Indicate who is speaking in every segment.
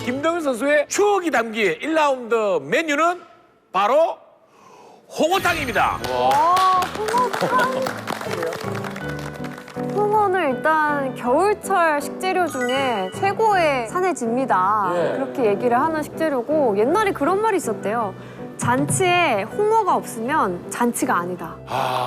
Speaker 1: 김동현 선수의 추억이 담긴 1라운드 메뉴는 바로 홍어탕입니다.
Speaker 2: 홍어탕. 홍어는 일단 겨울철 식재료 중에 최고의 산해집니다. 그렇게 얘기를 하는 식재료고 옛날에 그런 말이 있었대요. 잔치에 홍어가 없으면 잔치가 아니다.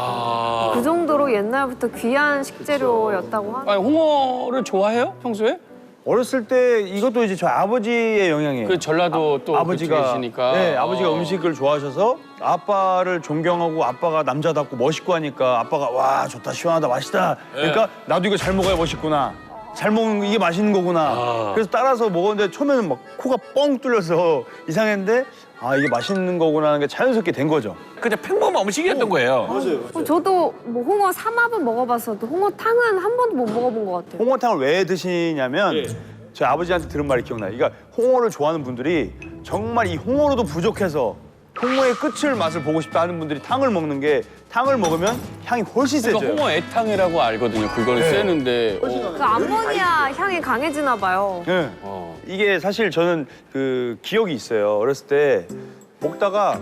Speaker 2: 그 정도로 옛날부터 귀한 식재료였다고 하는.
Speaker 3: 아니, 홍어를 좋아해요? 평소에?
Speaker 4: 어렸을 때 이것도 이제 저희 아버지의 영향이에요.
Speaker 3: 그 전라도 또
Speaker 4: 아버지가
Speaker 3: 계시니까.
Speaker 4: 네, 아버지가 음식을 좋아하셔서 아빠를 존경하고 아빠가 남자답고 멋있고 하니까 아빠가 와 좋다 시원하다 맛있다. 그러니까 나도 이거 잘 먹어야 멋있구나. 잘 먹는 이게 맛있는 거구나. 그래서 따라서 먹었는데 처음에는 막 코가 뻥 뚫려서 이상했는데 아 이게 맛있는 거구나 하는 게 자연스럽게 된 거죠.
Speaker 1: 그냥 평범한 음식이었던 거예요.
Speaker 2: 저도 뭐 홍어 삼합은 먹어봤어도 홍어탕은 한 번도 못 먹어본 것 같아요.
Speaker 4: 홍어탕을 왜 드시냐면 저희 아버지한테 들은 말이 기억나요. 그러니까 홍어를 좋아하는 분들이 정말 이 홍어로도 부족해서 홍어의 끝을 맛을 보고 싶다 하는 분들이 탕을 먹는 게 탕을 먹으면 향이 훨씬 세져요.
Speaker 3: 그러니까 홍어 애탕이라고 알거든요. 그거는 세는데.
Speaker 2: 그 암모니아 향이 강해지나 봐요.
Speaker 4: 네. 이게 사실 저는 그 기억이 있어요. 어렸을 때 먹다가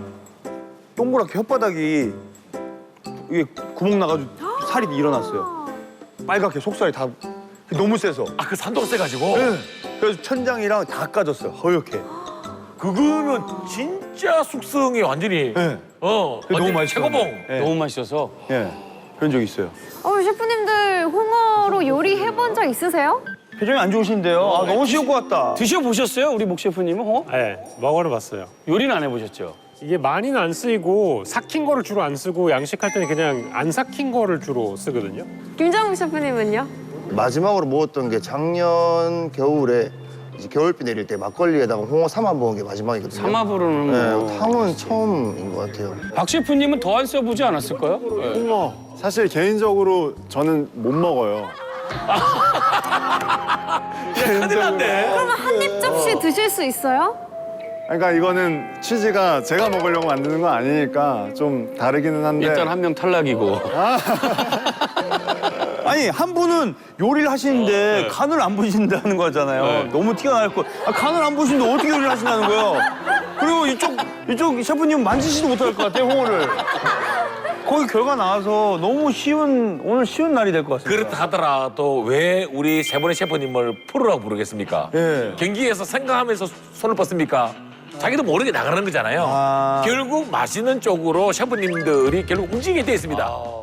Speaker 4: 동그랗게 혓바닥이 이게 구멍 나가지고 살이 일어났어요. 빨갛게 속살이 다 너무 세서.
Speaker 1: 아, 그 산도가 세가지고.
Speaker 4: 네. 그래서 천장이랑 다 까졌어요. 허옇게.
Speaker 1: 그거는 진짜 숙성이 완전히
Speaker 4: 네.
Speaker 1: 너무
Speaker 4: 맛있어요.
Speaker 1: 최고봉.
Speaker 4: 네.
Speaker 3: 너무 맛있어서.
Speaker 4: 예. 그런 적 있어요.
Speaker 2: 셰프님들 홍어로 요리해본 적 있으세요?
Speaker 4: 표정이 안 좋으신데요. 아, 너무 쉬울 것 같다.
Speaker 3: 드셔보셨어요? 우리 목 셰프님은 홍어?
Speaker 5: 네, 먹어는 봤어요.
Speaker 3: 요리는 안 해보셨죠?
Speaker 5: 이게 많이는 안 쓰이고 삭힌 거를 주로 안 쓰고 양식할 때는 그냥 안 삭힌 거를 주로 쓰거든요.
Speaker 2: 김정욱 셰프님은요?
Speaker 6: 마지막으로 먹었던 게 작년 겨울에 이제 겨울비 내릴 때 막걸리에다가 홍어 삼아 먹은 게 마지막이거든요.
Speaker 3: 삼합으로는
Speaker 6: 네,
Speaker 3: 뭐.
Speaker 6: 탕은 처음인 것 같아요.
Speaker 3: 박 셰프님은 더 안 써보지 않았을까요? 네.
Speaker 7: 홍어 사실 개인적으로 저는 못 먹어요.
Speaker 1: 큰일 났네.
Speaker 2: 그러면 한 입 접시 드실 수 있어요?
Speaker 7: 그러니까 이거는 취지가 제가 먹으려고 만드는 건 아니니까 좀 다르기는 한데
Speaker 3: 일단 한 명 탈락이고.
Speaker 4: 아니, 한 분은 요리를 하시는데 간을 안 보신다는 거잖아요.
Speaker 3: 네.
Speaker 4: 너무 티가 날 거. 아, 간을 안 보시는데 어떻게 요리를 하신다는 거예요? 그리고 이쪽 셰프님 만지지도 못할 것 같아요, 홍어를. 거기 결과 나와서 너무 오늘 쉬운 날이 될 것 같습니다.
Speaker 1: 그렇다 하더라도 왜 우리 세 분의 셰프님을 프로라고 부르겠습니까?
Speaker 4: 예.
Speaker 1: 경기에서 생각하면서 손을 뻗습니까? 자기도 모르게 나가는 거잖아요. 결국 맛있는 쪽으로 셰프님들이 결국 움직이게 돼 있습니다.